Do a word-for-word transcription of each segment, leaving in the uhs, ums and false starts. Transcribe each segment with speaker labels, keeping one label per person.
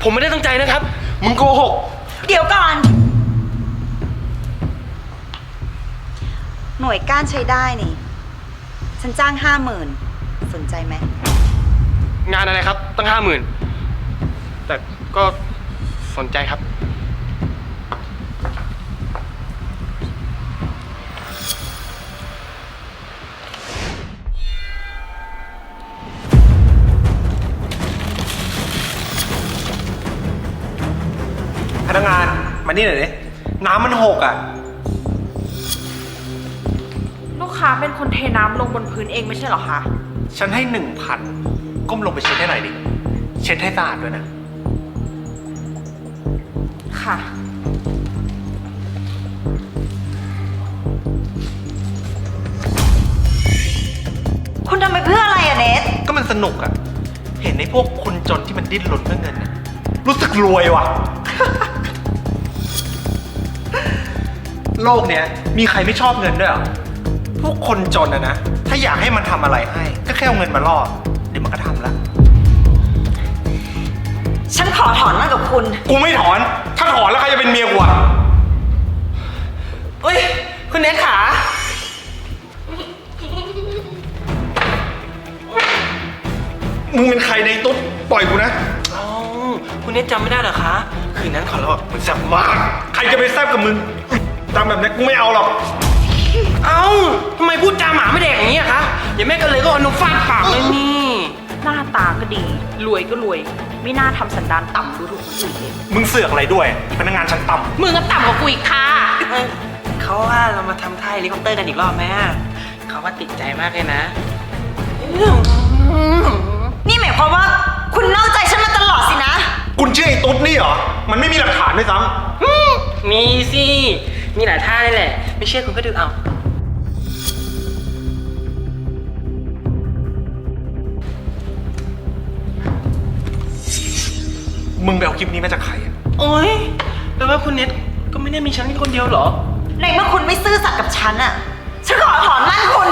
Speaker 1: ผมไม่ได้ตั้งใจนะครับมึงโกหก
Speaker 2: เดี๋ยวก่อนหน่วยก้านใช้ได้นี่ฉันจ้างห้าหมื่นสนใจไหม
Speaker 1: งานอะไรครับตั้งห้าหมื่นแต่ก็สนใจครับ
Speaker 3: พนักงานมานี่หน่อยดิน้ำมันหกอ่ะ
Speaker 4: ลูกค้าเป็นคนเทน้ำลงบนพื้นเองไม่ใช่เหรอคะ
Speaker 3: ฉันให้หนึ่งพันก้มลงไปเช็ดให้หน่อยดิเช็ดให้สะอาดด้วยนะ
Speaker 4: ค่ะ
Speaker 2: คุณทำไปเพื่ออะไรอะเนท
Speaker 3: ก็มันสนุกอ่ะเห็นในพวกคนจนที่มันดิ้นรนเพื่อเงินนะรู้สึกรวยว่ะ โลกเนี้ยมีใครไม่ชอบเงินด้วยเหรอพวกคนจนอะนะถ้าอยากให้มันทำอะไรให้ก็แค่เอาเงินมาล่อเดี๋ยวมันก็ทำละ
Speaker 2: ฉันขอถอนมันกับคุณ
Speaker 3: กูไม่ถอนถ้าถอนแล้วใครจะเป็นเมียกูอะ
Speaker 1: เฮ้ยคุณเนทขา
Speaker 3: มึงเป็นใครในตุ๊ดปล่อยกูนะ
Speaker 1: อ๋อคุณเนทจำไม่ได้เหรอคะคืนนั้นขอเรา
Speaker 3: มึงแซ่บมากใครจะไปแซ่บกับมึงตามแบบนี้กูไม่เอาหรอก
Speaker 1: เอ้าทำไมพูดจาหมาไม่แดกอย่างนี้อะคะอย่าแม่กันเลยก็เอานมฟาดปากเลยนี่
Speaker 4: หน้าตาก็ดีรวยก็รวยไม่น่าทำสันดานต่ำดูถูกคนอื่นเลย
Speaker 3: มึงเสือกอะไรด้วยพนักงานชั้นต่
Speaker 4: ำมึงก็ต่ำกว่ากูอีกค่ะ
Speaker 1: เขาว่าเรามาทำท่าเฮลิคอปเตอร์กันอีกรอบไหมเขาว่าติดใจมากเลยนะ
Speaker 2: นี่หมายความว่าคุณนอกใจฉันมาตลอดสินะ
Speaker 3: คุณเชื่อไอ้ตุ๊ดนี่เหรอมันไม่มีหลักฐานด้วยซ้
Speaker 1: ำมีสิมีหลายท่าเลยแหละไม่เชื่อคุณก็ดูเอา
Speaker 3: มึงไปเอาคลิปนี้มาจากใครอ่ะ
Speaker 1: โอ๊ยแปลว่าคุณเน็ตก็ไม่ได้มีฉันแค่คนเดียวเหรอ
Speaker 2: ในเมื่อคุณไม่ซื่อสัตย์กับฉันอ่ะฉันขอถอนมั่นคุณ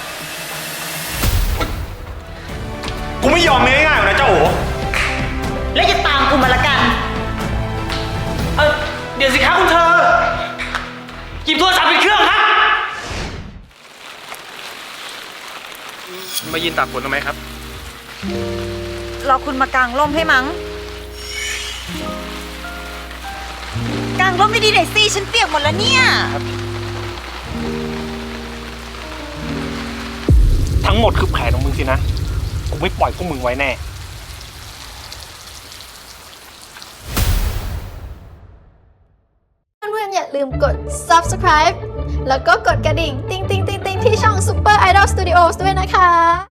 Speaker 3: กูไม่ยอมง่ายๆหรอกนะเจ้าโอ๋
Speaker 2: และอย่าตามกูมาละกัน
Speaker 1: เออเดี๋ยวสิครับคุณเธอหยิบโทรศัพท์ไปเครื่องครับมายืนตากฝนทำไมครับ
Speaker 2: รอคุณมากางร่มให้มั้งกางร่มไม่ดีหน่อยสิฉันเปียกหมดแล้วเนี่ย
Speaker 3: ทั้งหมดคือแผนของมึงสินะกูไม่ปล่อยพวกมึงไว้แน่
Speaker 5: เพื่อนๆอย่าลืมกด ซับสไครบ์ แล้วก็กดกระดิ่ง ติ๊งติ๊งติ๊งติ๊งที่ช่อง Super Idol Studios ด้วยนะคะ